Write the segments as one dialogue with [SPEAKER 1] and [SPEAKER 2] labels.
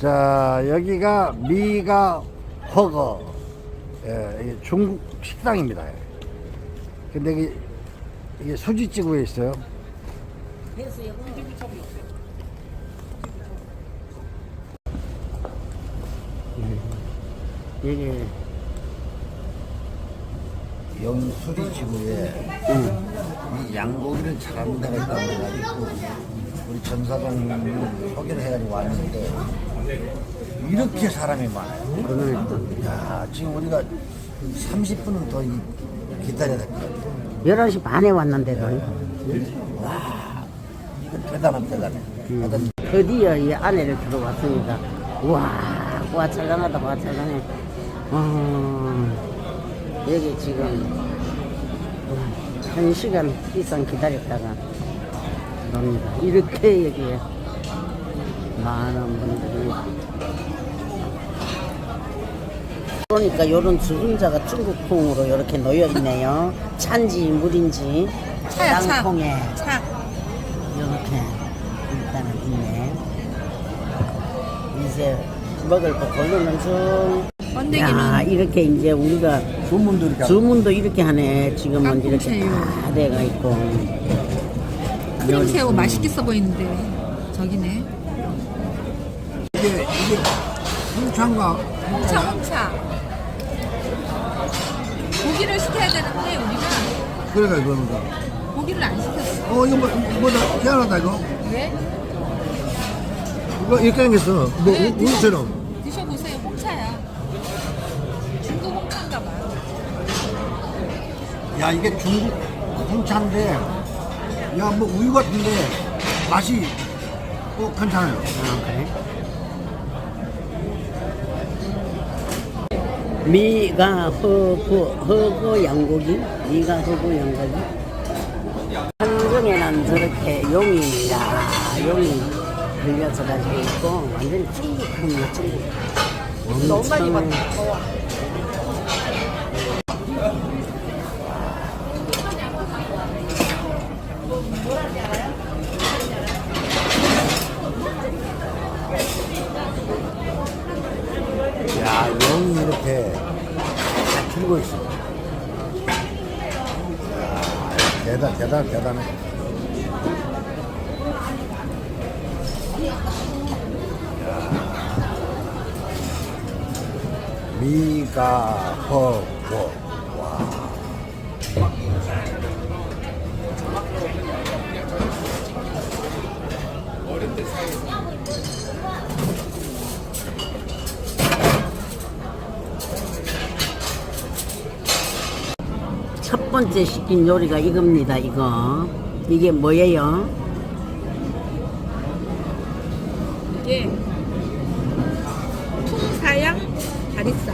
[SPEAKER 1] 자, 여기가 미가 허거. 예, 이게 중국 식당입니다. 근데 이게 수지찌개에 있어요. 이게 여기 수지찌개에 이 양고기를 잘하는 데가 있다고 해가지고 우리 전사장님이 소개를 해가지고 왔는데 이렇게 사람이 많아요. 그러니까 야, 지금 우리가 30분은 더 기다려야 될 것 같아요.
[SPEAKER 2] 11시 반에 왔는데도.
[SPEAKER 1] 와, 이건 대단해.
[SPEAKER 2] 드디어 이 안에를 들어왔습니다. 와, 찰랑하다, 와, 찰랑해. 여기 지금 1시간 이상 기다렸다가 들어옵니다. 이렇게 여기에 많은 분들이. 그러니까 요런 주문자가 중국풍으로 이렇게 놓여 있네요. 찬지 물인지 땅콩에 이렇게 일단은 있네. 이제 먹을 거 고르는 중. 야, 이렇게 이제 우리가 주문도 이렇게 하네. 지금은 이렇게 다 돼가 있고.
[SPEAKER 3] 크림새우 맛있겠어 보이는데 저기네.
[SPEAKER 1] 이게 홍차인가?
[SPEAKER 3] 홍차. 고기를 시켜야 되는데 우리가
[SPEAKER 1] 그러니까 이거는
[SPEAKER 3] 고기를 안 시켰어.
[SPEAKER 1] 이거 뭐다 희한하다 이거.
[SPEAKER 3] 왜?
[SPEAKER 1] 이거 이렇게 생겼어. 뭐 우유처럼.
[SPEAKER 3] 드셔보세요. 홍차야. 중국 홍차인가 봐.
[SPEAKER 1] 야, 이게 중국 홍차인데 야, 뭐 우유 같은데 맛이 괜찮아요.
[SPEAKER 2] 그래? 미가 허거 양고기? 미가 허거 양고기? 한정에는 저렇게 용입니다. 용이 들려서 가지고 있고, 완전히 중국풍이야, 중국. 너무 많이 봤다.
[SPEAKER 1] 야, 용이 이렇게 다 들고 있어. 야, 대단해. 미가 허거. 와.
[SPEAKER 2] 첫 번째 시킨 요리가 이겁니다. 이거 이게 뭐예요?
[SPEAKER 3] 이게 풍사양 다리살.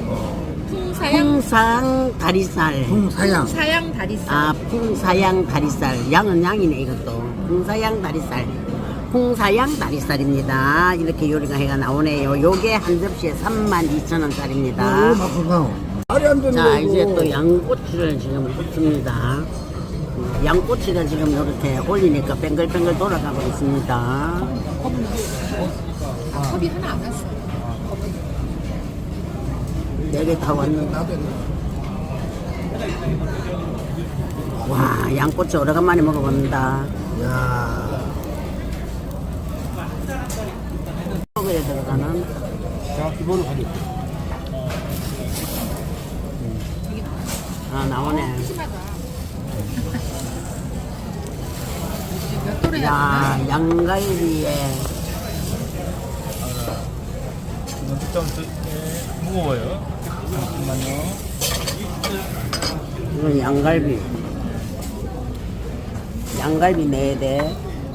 [SPEAKER 2] 풍상 다리살.
[SPEAKER 3] 풍사양 다리살.
[SPEAKER 2] 아, 풍사양 다리살. 양은 양이네 이것도. 풍사양 다리살. 풍사양 다리살입니다. 이렇게 요리가 해가 나오네요. 요게 한 접시에 32,000원짜리입니다. 자, 이제 또 양꼬치를 지금 굽습니다. 양꼬치가 지금 이렇게 올리니까 뱅글뱅글 돌아가고 있습니다.
[SPEAKER 3] 컵이 하나 안 왔어.
[SPEAKER 2] 4개 다 왔는데. 와, 양꼬치 오래간만에 먹어본다.
[SPEAKER 1] 야.
[SPEAKER 2] 먹어야 들어가는.
[SPEAKER 1] 자, 기본으로 가지.
[SPEAKER 2] 아, 나오네.
[SPEAKER 3] 몇 도래야?
[SPEAKER 2] 야, 양갈비에.
[SPEAKER 4] 좀 무거워요. 잠깐만요.
[SPEAKER 2] 이건 양갈비. 양갈비 4대.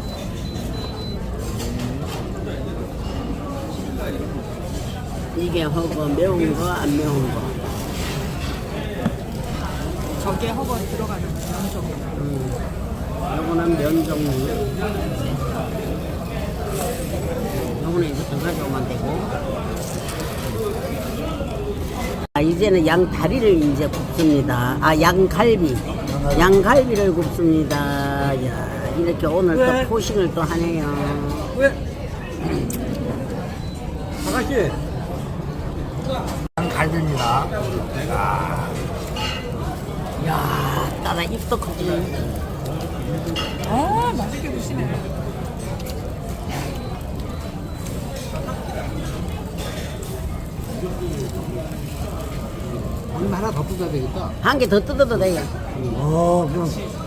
[SPEAKER 2] 이게 허거 매운 거, 안 매운 거.
[SPEAKER 3] 저게 허거 들어가는 면
[SPEAKER 2] 요거는 면 종류. 요거는 이제 더 가져오면 되고. 아, 이제는 양 다리를 이제 굽습니다. 아, 양갈비. 양갈비를 굽습니다. 야, 이렇게 오늘 또 포식을 또 하네요.
[SPEAKER 5] 맛이.
[SPEAKER 1] 갈비입니다.
[SPEAKER 2] 야, 따라 입도 크지.
[SPEAKER 3] 아, 맛있게 드시네.
[SPEAKER 5] 얼마 하나 더 뜯어야 되겠다.
[SPEAKER 2] 한 개 더 뜯어도 돼요.
[SPEAKER 1] 그럼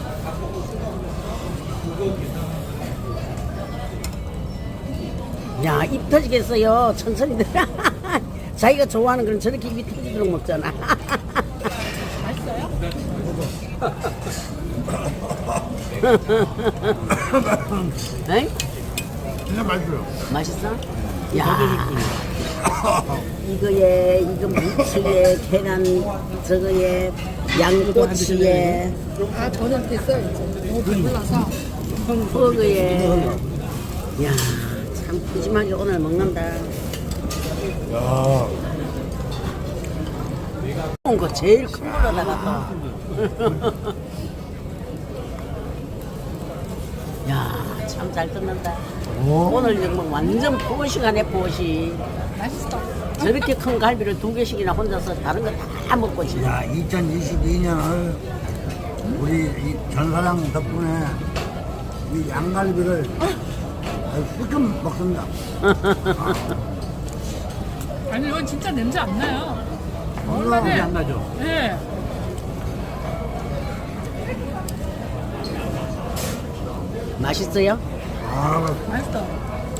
[SPEAKER 2] 야, 입 터지겠어요. 천천히 들어. 자기가 좋아하는 건 저렇게 입이 터지도록 먹잖아.
[SPEAKER 3] 맛있어요?
[SPEAKER 2] 에이?
[SPEAKER 1] 진짜 맛있어요.
[SPEAKER 2] 맛있어? 야, 이거에, 이거 무치에, 계란, 저거에, 양꼬치에,
[SPEAKER 3] 아, 저는 됐어요. 이제. 너무 배불러서.
[SPEAKER 2] 버거에. 야, 참 푸짐하게 오늘 먹는다.
[SPEAKER 1] 야,
[SPEAKER 2] 온 거 제일 큰 걸로다가 또. 야, 참 잘 뜯는다. 오늘 정말 완전 포식하네, 포식.
[SPEAKER 3] 맛있어.
[SPEAKER 2] 저렇게 큰 갈비를 2개씩이나 혼자서 다른 거 다 먹고 지금.
[SPEAKER 1] 야, 2022년을 우리 이 전사장 덕분에 이 양갈비를 끄끔 먹습니다.
[SPEAKER 3] 아니, 이건 진짜 냄새 안 나요.
[SPEAKER 5] 냄새 안 나죠?
[SPEAKER 3] 네.
[SPEAKER 2] 맛있어요?
[SPEAKER 3] 맛있어.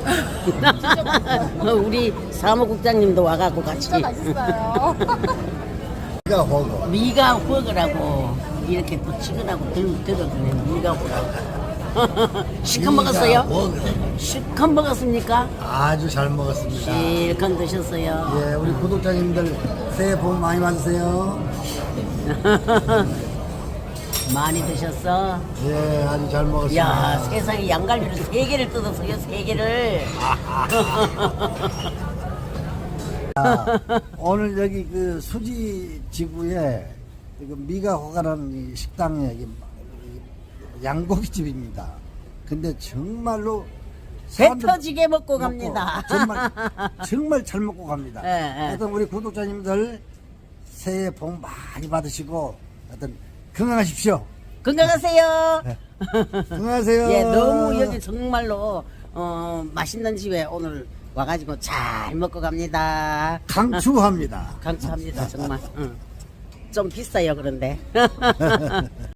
[SPEAKER 2] 우리 사무국장님도 와갖고 같이.
[SPEAKER 3] 진짜 맛있어요.
[SPEAKER 1] 이가 허거.
[SPEAKER 2] 미가 호거라고 이렇게 또 치근하고 들어주네. 미가 호라고. 실컷 먹었어요? 실컷 먹었습니까?
[SPEAKER 1] 아주 잘 먹었습니다.
[SPEAKER 2] 실컷 드셨어요.
[SPEAKER 1] 예, 우리 구독자님들 새해 복 많이 받으세요.
[SPEAKER 2] 많이 드셨어?
[SPEAKER 1] 예, 아주 잘 먹었습니다.
[SPEAKER 2] 야, 세상에 양갈비를 3개를 뜯었어요. 3개를.
[SPEAKER 1] 오늘 여기 그 수지 지구에 그 미가호가라는 이 식당에 양고기집입니다. 근데 정말로
[SPEAKER 2] 배
[SPEAKER 1] 사람들
[SPEAKER 2] 터지게 먹고
[SPEAKER 1] 먹고
[SPEAKER 2] 갑니다.
[SPEAKER 1] 정말 잘 먹고 갑니다.
[SPEAKER 2] 예, 예.
[SPEAKER 1] 하여튼 우리 구독자님들 새해 복 많이 받으시고 하여튼 건강하십시오.
[SPEAKER 2] 건강하세요.
[SPEAKER 1] 건강하세요.
[SPEAKER 2] 예, 너무 여기 정말로 맛있는 집에 오늘 와가지고 잘 먹고 갑니다.
[SPEAKER 1] 강추합니다.
[SPEAKER 2] 강추합니다, 정말. 응. 좀 비싸요, 그런데.